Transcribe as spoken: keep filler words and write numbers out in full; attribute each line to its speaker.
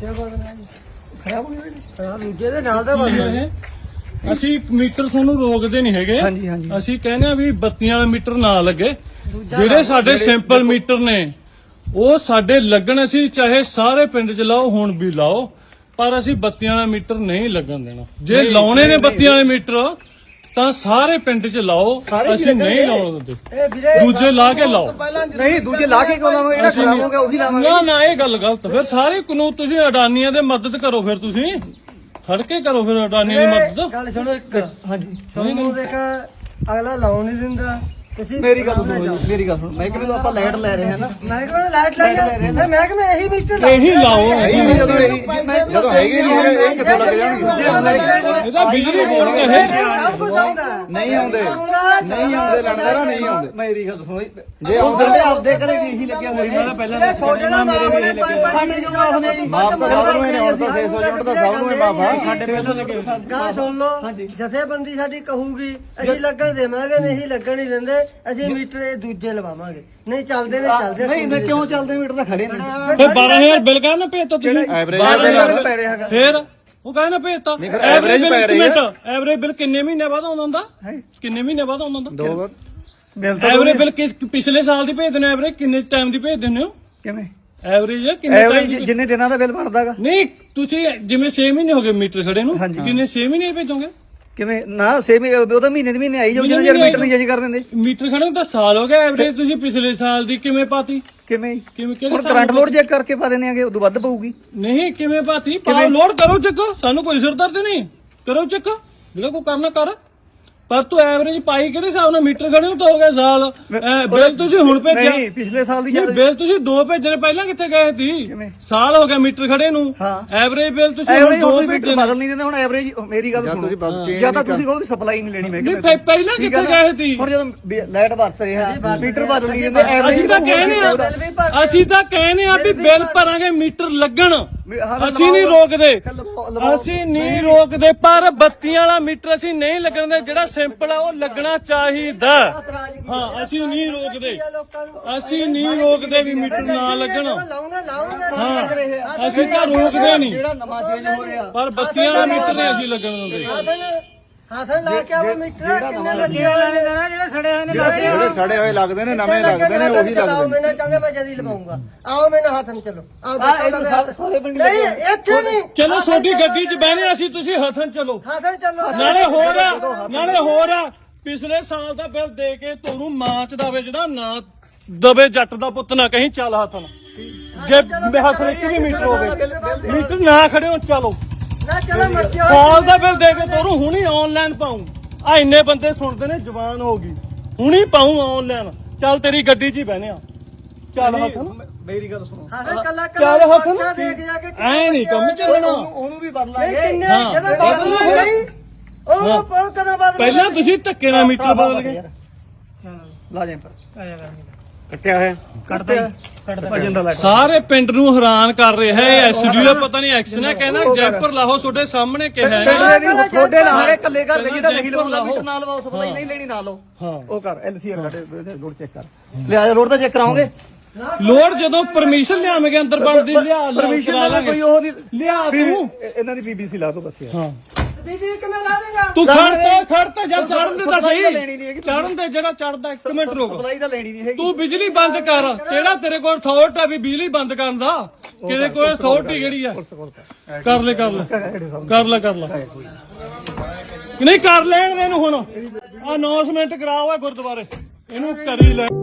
Speaker 1: ਖਰਾਬ ਹੋ ਗਿਆ ਦੂਜੇ ਦੇ ਨਾਲ ਦਾ ਬਸ।
Speaker 2: ਅਸੀਂ ਮੀਟਰ ਤੁਹਾਨੂੰ ਰੋਕਦੇ ਨਹੀਂ ਹੈਗੇ।
Speaker 1: ਹਾਂਜੀ ਹਾਂਜੀ
Speaker 2: ਅਸੀਂ ਕਹਿੰਦੇ ਆ ਵੀ ਬੱਤੀਆਂ ਵਾਲੇ ਮੀਟਰ ਨਾ ਲੱਗੇ। ਜਿਹੜੇ ਸਾਡੇ ਸਿੰਪਲ ਮੀਟਰ ਨੇ ਉਹ ਸਾਡੇ ਲੱਗਣ। ਅਸੀਂ ਚਾਹੇ ਸਾਰੇ ਪਿੰਡ 'ਚ ਲਾਓ, ਹੁਣ ਵੀ ਲਾਓ, ਪਰ ਅਸੀਂ ਬੱਤੀਆਂ ਵਾਲਾ ਮੀਟਰ ਨਹੀਂ ਲੱਗਣ ਦੇਣਾ। ਜੇ ਲਾਉਣੇ ਨੇ ਬੱਤੀਆਂ ਵਾਲੇ ਮੀਟਰ ਤਾਂ ਸਾਰੇ ਪਿੰਡ 'ਚ ਲਾਓ, ਅਸੀਂ ਨਹੀਂ ਲਾਉਣ ਦਿੰਦੇ। ਦੂਜੇ ਲਾ ਕੇ ਲਾਓ।
Speaker 1: ਨਹੀਂ ਦੂਜੇ ਲਾ ਕੇ ਕਿਉਂ ਲਾਵਾਂਗੇ? ਜਿਹੜਾ ਖਰਾਬ ਹੋ ਗਿਆ ਉਹੀ ਲਾਵਾਂਗੇ।
Speaker 2: ਨਾ ਨਾ ਇਹ ਗੱਲ ਗਲਤ। ਫਿਰ ਸਾਰੇ ਕਾਨੂੰਨ ਤੁਸੀਂ ਅਡਾਨੀਆਂ ਦੇ ਮਦਦ ਕਰੋ। ਫਿਰ ਤੁਸੀਂ ਖੜ ਕੇ ਕਰੋ ਫਿਰ ਅਡਾਨੀਆਂ ਦੀ ਮਦਦ।
Speaker 1: ਗੱਲ ਸੁਣੋ ਇੱਕ। ਹਾਂਜੀ ਤੁਹਾਨੂੰ ਦੇਖ ਅਗਲਾ ਲਾਉਣ ਨਹੀਂ ਦਿੰਦਾ। ਮੇਰੀ ਗੱਲ ਸੁਣੋ ਮੇਰੀ ਗੱਲ ਸੁਣੋ। ਮਹਿਕਮੇ ਤੋਂ ਆਪਾਂ ਲਾਈਟ ਲੈ ਰਹੇ ਹਾਂ ਨਾ। ਮਹਿਕਮੇ ਤੋਂ ਲਾਈਟ ਲੈ ਰਹੇ ਹਾਂ। ਮਹਿਕਮੇ ਇਹੀ ਮੀਟਰ ਲਾਓ।
Speaker 2: ਇਹੀ ਲਾਓ।
Speaker 3: ਜਦੋਂ ਜਦੋਂ ਹੈਗੇ ਨਹੀਂ ਇਹ ਕਿੱਥੋਂ ਲੱਗ ਜਾਣਗੇ?
Speaker 2: ਇਹਦਾ ਬਿਜਲੀ ਬੋਰਡ ਕਹੇ
Speaker 1: ਸਭ ਕੁਝ ਆਉਂਦਾ
Speaker 3: ਨਹੀਂ ਆਉਂਦੇ ਨਹੀਂ ਆਉਂਦੇ ਲੰਡਰਾ ਨਹੀਂ ਆਉਂਦੇ।
Speaker 1: ਮੇਰੀ ਗੱਲ ਸੁਣੋ
Speaker 3: ਜੇ ਆਉਂਦੇ
Speaker 1: ਆਪਦੇ ਘਰੇ ਵੀ ਇਹੀ ਲੱਗਿਆ ਹੋਇਆ। ਪਹਿਲਾਂ ਛੋਟੇ ਦਾ ਮਾਫ ਨੇ ਪੰਜ ਪੰਜ ਜੀ ਮਾਫ ਨੇ।
Speaker 3: ਮਾਫ ਤਾਂ ਸਭ ਨੂੰ ਹੀ ਨੇ। ਹੁਣ ਤਾਂ ਛੇ ਸੌ ਯੂਨਿਟ ਦਾ ਸਭ ਨੂੰ ਹੀ ਮਾਫ ਆ।
Speaker 1: ਸਾਡੇ ਪਹਿਲਾਂ ਲੱਗੇ ਗੱਲ ਸੁਣ ਲਓ। ਜਥੇਬੰਦੀ ਸਾਡੀ ਕਹੂਗੀ ਅਸੀਂ ਲੱਗਣ ਦੇਵਾਂਗੇ, ਨਹੀਂ ਲੱਗਣ ਨਹੀਂ ਦਿੰਦੇ। ਅਸੀਂ ਮੀਟਰ ਇਹ ਦੂਜੇ ਲਵਾਵਾਂਗੇ। ਨਹੀਂ ਚੱਲਦੇ ਨੇ ਚੱਲਦੇ ਨਹੀਂ ਨਾ। ਕਿਉਂ ਚੱਲਦੇ ਮੀਟਰ ਤਾਂ ਖੜੇ ਨੇ।
Speaker 2: ਫਿਰ ਬਾਰਾਂ ਹਜ਼ਾਰ ਬਿੱਲ ਕਹਿ ਨਾ ਭੇਜਤਾ ਤੁਸੀਂ।
Speaker 3: ਐਵਰੇਜ
Speaker 1: ਪੈ ਰਿਹਾ ਹੈਗਾ।
Speaker 2: ਫਿਰ ਉਹ ਕਹਿੰਦਾ ਭੇਜਤਾ।
Speaker 3: ਐਵਰੇਜ ਪੈ ਰਹੀ ਹੈ।
Speaker 2: ਐਵਰੇਜ ਬਿੱਲ ਕਿੰਨੇ ਮਹੀਨੇ ਬਾਅਦ ਆਉਂਦਾ ਹੁੰਦਾ? ਕਿੰਨੇ ਮਹੀਨੇ ਬਾਅਦ ਆਉਂਦਾ ਹੁੰਦਾ?
Speaker 3: ਦੋ ਵਾਰ
Speaker 2: ਐਵਰੇਜ ਬਿੱਲ ਕਿਸ ਪਿਛਲੇ ਸਾਲ ਦੀ ਭੇਜ ਦਿੰਦੇ ਹੋ? ਐਵਰੇਜ ਕਿੰਨੇ ਟਾਈਮ ਦੀ ਭੇਜ ਦਿੰਦੇ ਹੋ?
Speaker 1: ਕਿਵੇਂ
Speaker 2: ਐਵਰੇਜ ਕਿੰਨੇ
Speaker 1: ਐਵਰੇਜ ਜਿੰਨੇ ਦਿਨਾਂ ਦਾ ਬਿੱਲ ਬਣਦਾਗਾ।
Speaker 2: ਨਹੀਂ ਤੁਸੀਂ ਜਿਵੇਂ ਛੇ ਮਹੀਨੇ ਹੋ ਗਏ ਮੀਟਰ ਖੜੇ ਨੂੰ, ਕਿੰਨੇ ਛੇ ਮਹੀਨੇ ਭੇਜੋਗੇ?
Speaker 1: ਕਿਵੇਂ ਨਾ ਸੇਮ ਉਹਦਾ ਮਹੀਨੇ ਦੇ ਮਹੀਨੇ ਆਈ ਜਾਊ। ਜਦੋਂ ਮੀਟਰ ਨਹੀਂ ਚੇਂਜ ਕਰ ਦਿੰਦੇ।
Speaker 2: ਮੀਟਰ ਖੜੇ ਨੂੰ ਤਾਂ ਸਾਲ ਹੋ ਗਿਆ। ਐਵਰੇਜ ਤੁਸੀਂ ਪਿਛਲੇ ਸਾਲ ਦੀ ਕਿਵੇਂ ਪਾਤੀ?
Speaker 1: ਕਿਵੇਂ
Speaker 2: ਕਿਵੇਂ
Speaker 1: ਹੁਣ ਕਰੰਟ ਲੋਡ ਚੈੱਕ ਕਰਕੇ ਪਾ ਦਿੰਦੇ ਆਗੇ। ਉਦੋਂ ਵੱਧ ਪਊਗੀ।
Speaker 2: ਨਹੀਂ ਕਿਵੇਂ ਪਾਤੀ? ਪਾਓ ਲੋਡ ਕਰੋ ਚੈੱਕ। ਸਾਨੂੰ ਕੋਈ ਸਿਰ ਦਰਦ ਨਹੀਂ। ਕਰੋ ਚੈੱਕ ਜਿਹੜਾ ਕੋਈ ਕਰਨਾ ਕਰ। ਪਰ ਤੂੰ ਐਵਰੇਜ ਪਾਈ ਕਿਹੜੇ ਹਿਸਾਬ ਨਾਲ? ਮੀਟਰ ਖੜੇ ਨੂੰ ਤਾਂ ਹੋ ਗਿਆ ਸਾਲ। ਬਿੱਲ ਤੁਸੀਂ ਹੁਣ ਭੇਜਿਆ।
Speaker 1: ਨਹੀਂ ਪਿਛਲੇ ਸਾਲ ਦੀ
Speaker 2: ਬਿੱਲ ਤੁਸੀਂ ਦੋ ਭੇਜਣੇ ਪਹਿਲਾਂ ਕਿੱਥੇ ਗਏ ਸੀ? ਸਾਲ ਹੋ ਗਿਆ ਮੀਟਰ ਖੜੇ ਨੂੰ। ਐਵਰੇਜ ਬਿੱਲ ਤੁਸੀਂ ਹੁਣ ਦੋ ਭੇਜਣੇ।
Speaker 1: ਬਦਲ ਨਹੀਂ ਦਿੰਦੇ ਹੁਣ ਐਵਰੇਜ। ਮੇਰੀ ਗੱਲ ਸੁਣੋ ਜਾਂ ਤਾਂ ਤੁਸੀਂ ਕੋਈ ਸਪਲਾਈ ਨਹੀਂ ਲੈਣੀ। ਮੈਂ
Speaker 2: ਨਹੀਂ ਪਹਿਲਾਂ ਕਿੱਥੇ ਗਏ ਸੀ?
Speaker 1: ਹੁਣ ਜਦੋਂ ਲਾਈਟ ਵਰਤ ਰਿਹਾ ਮੀਟਰ ਬਦਲ ਨਹੀਂ ਦਿੰਦੇ।
Speaker 2: ਅਸੀਂ ਤਾਂ ਕਹਿੰਦੇ ਆ ਅਸੀਂ ਤਾਂ ਕਹਿੰਦੇ ਆ ਵੀ ਬਿੱਲ ਭਰਾਂਗੇ ਮੀਟਰ ਲੱਗਣ। ਅਸੀਂ ਨਹੀਂ ਰੋਕਦੇ ਅਸੀਂ ਨਹੀਂ ਰੋਕਦੇ ਪਰ ਬੱਤੀਆਂ ਵਾਲਾ ਮੀਟਰ ਅਸੀਂ ਨਹੀਂ ਲੱਗਣ ਦੇ। ਜਿਹੜਾ ਸਿੰਪਲ ਆ ਉਹ ਲੱਗਣਾ ਚਾਹੀਦਾ। ਹਾਂ ਅਸੀਂ ਨਹੀਂ ਰੋਕਦੇ ਅਸੀਂ ਨਹੀਂ ਰੋਕਦੇ ਵੀ ਮੀਟਰ ਨਾ ਲੱਗਣ। ਹਾਂ ਅਸੀਂ ਤਾਂ ਰੋਕਦੇ ਨਹੀਂ ਪਰ ਬੱਤੀਆਂ ਵਾਲਾ ਮੀਟਰ ਨਹੀਂ ਅਸੀਂ ਲੱਗਣ ਦਿੰਦੇ।
Speaker 1: ਹਾਸਨ ਲਾ ਕੇ ਆਵੇ ਮੀਟਰ ਕਿੰਨੇ ਲੱਗੇ ਹੋਏ ਨੇ? ਜਿਹੜੇ ਸੜੇ ਹੋਏ ਨੇ
Speaker 3: ਜਿਹੜੇ ਸੜੇ ਹੋਏ ਲੱਗਦੇ ਨੇ ਨਵੇਂ ਲੱਗਦੇ ਨੇ ਉਹੀ ਲੱਗਦੇ ਨੇ।
Speaker 1: ਮੈਂ ਕਹਿੰਦਾ ਮੈਂ ਜਦੀ ਲਵਾਉਂਗਾ। ਆਓ ਮੇਰੇ ਹੱਥਨ ਚਲੋ। ਆਓ ਸਾਰੇ ਪਿੰਡ ਨਹੀਂ ਇੱਥੇ ਨਹੀਂ।
Speaker 2: ਚਲੋ ਛੋਟੀ ਗੱਡੀ 'ਚ ਬਹਿਨੇ ਅਸੀਂ ਤੁਸੀਂ ਹੱਥਨ ਚਲੋ।
Speaker 1: ਹੱਥਨ ਚਲੋ।
Speaker 2: ਨਾਲੇ ਹੋਰ ਆ ਨਾਲੇ ਹੋਰ ਆ ਪਿਛਲੇ ਸਾਲ ਦਾ ਬਿੱਲ ਦੇ ਕੇ ਤੁਹਾਨੂੰ ਮਾਂ ਚ ਦਵੇ ਜਿਹੜਾ ਨਾ ਦਵੇ ਜੱਟ ਦਾ ਪੁੱਤ ਨਾ ਕਹੀਂ ਚੱਲ ਹੱਥਨ। ਜੇ ਹੱਥ ਵਿੱਚ ਵੀ ਮੀਟਰ ਹੋਵੇ ਮੀਟਰ ਨਾ ਖੜੇ ਹੋ ਚਲੋ
Speaker 1: ਨਾ ਚਲੋ ਮੱਚੇ ਹੋਏ।
Speaker 2: ਸਾਲ ਦਾ ਬਿੱਲ ਦੇ ਕੇ ਤੁਹਾਨੂੰ ਹੁਣੀ ਆਨਲਾਈਨ ਪਾਉਂ। ਆ ਇੰਨੇ ਬੰਦੇ ਸੁਣਦੇ ਨੇ ਜਵਾਨ ਹੋ ਗਈ ਹੁਣੀ ਪਾਉਂ ਆਨਲਾਈਨ। ਚੱਲ ਤੇਰੀ ਗੱਡੀ 'ਚ ਹੀ ਬਹਿਨੇ ਆ। ਚੱਲ ਹੱਥਨ
Speaker 1: ਮੇਰੀ ਗੱਲ ਸੁਣੋ। ਹਾਸਨ ਕੱਲਾ
Speaker 2: ਚੱਲ ਹੱਥਨ
Speaker 1: ਕੱਲਾ ਦੇਖ ਜਾ ਕੇ
Speaker 2: ਐ ਨਹੀਂ ਕੰਮ ਚੱਲਣਾ।
Speaker 1: ਉਹਨੂੰ ਵੀ ਬਦਲਾਂਗੇ। ਕਿੰਨੇ ਜਦੋਂ ਬਦਲਾਂਗੇ ਨਹੀਂ ਉਹ ਉਹ ਕਦੋਂ ਬਦਲ।
Speaker 2: ਪਹਿਲਾਂ ਤੁਸੀਂ ਧੱਕੇ ਨਾਲ ਮੀਟਰ ਬਦਲ ਗਏ।
Speaker 1: ਲਾ ਜੇ ਪਰ
Speaker 2: ਕੱਟਿਆ ਹੋਇਆ
Speaker 1: ਕੱਟਦਾ ਭਜਨ ਦਾ ਲੱਗ।
Speaker 2: ਸਾਰੇ ਪਿੰਡ ਨੂੰ ਹੈਰਾਨ ਕਰ ਰਿਹਾ ਹੈ। ਐਸਡੀ ਦਾ ਪਤਾ ਨਹੀਂ ਐਕਸ ਨੇ ਕਹਿੰਦਾ ਜੈਪਰ ਲਾਹੋ ਤੁਹਾਡੇ ਸਾਹਮਣੇ ਕਿਹਾ
Speaker 1: ਥੋੜੇ ਲਾਹੇ ਕੱਲੇ ਘਰ ਦੇ ਜਿਹੜਾ ਨਹੀਂ ਲਵਾਉਂਦਾ ਮੀਟਰ ਨਾਲ ਲਵਾਓ। ਸਪਲਾਈ ਨਹੀਂ ਲੈਣੀ ਨਾ ਲਓ। ਉਹ ਕਰ ਐਲਸੀਆਰ ਕੱਢੇ ਲੋਡ ਚੈੱਕ ਕਰ ਲਿਆ। ਲੋਡ ਤਾਂ ਚੈੱਕ ਕਰਾਓਗੇ।
Speaker 2: ਲੋਡ ਜਦੋਂ ਪਰਮਿਸ਼ਨ ਲਿਆਵਾਂਗੇ ਅੰਦਰ ਬਣਦੀ ਲਿਆ
Speaker 1: ਪਰਮਿਸ਼ਨ ਨਾਲ ਕੋਈ ਉਹ ਨਹੀਂ
Speaker 2: ਲਿਆ ਤੂੰ
Speaker 1: ਇਹਨਾਂ ਦੀ ਬੀਬੀਸੀ ਲਾ ਦੋ ਬਸ ਯਾਰ।
Speaker 2: ਹਾਂ
Speaker 1: ਬੀਬੀ ਕਿਵੇਂ ਲਾ ਦੇਗਾ?
Speaker 2: ਤੂੰ ਖੜ ਤੇ ਖੜ ਤੇ ਜਦ ਚੜਨ ਦੇ ਤਾਂ ਸਹੀ। ਚੜਨ ਦੇ ਜਿਹੜਾ ਚੜਦਾ ਇੱਕ ਮਿੰਟ ਰੁਕ।
Speaker 1: ਸਪਲਾਈ ਤਾਂ ਲੈਣੀ ਨਹੀਂ ਹੈਗੀ।
Speaker 2: ਤੂੰ ਬਿਜਲੀ ਬੰਦ ਕਰ। ਕਿਹੜਾ ਤੇਰੇ ਕੋਲ ਅਥਾਰਟੀ ਆ ਵੀ ਬਿਜਲੀ ਬੰਦ ਕਰਨ ਦਾ? ਕਿਹਦੇ ਕੋਲ ਅਥਾਰਟੀ ਕਿਹੜੀ ਆ? ਕਰ ਲੈ ਕਰ ਲੈ ਕਰ ਲੈ ਕਰ ਲੈ ਨਹੀਂ ਕਰ ਲੈਣ ਦੇ ਇਹਨੂੰ ਹੁਣ। ਅਨਾਉਂਸਮੈਂਟ ਕਰਾਓ ਗੁਰਦੁਆਰੇ ਇਹਨੂੰ ਕਰੀ ਲੈ।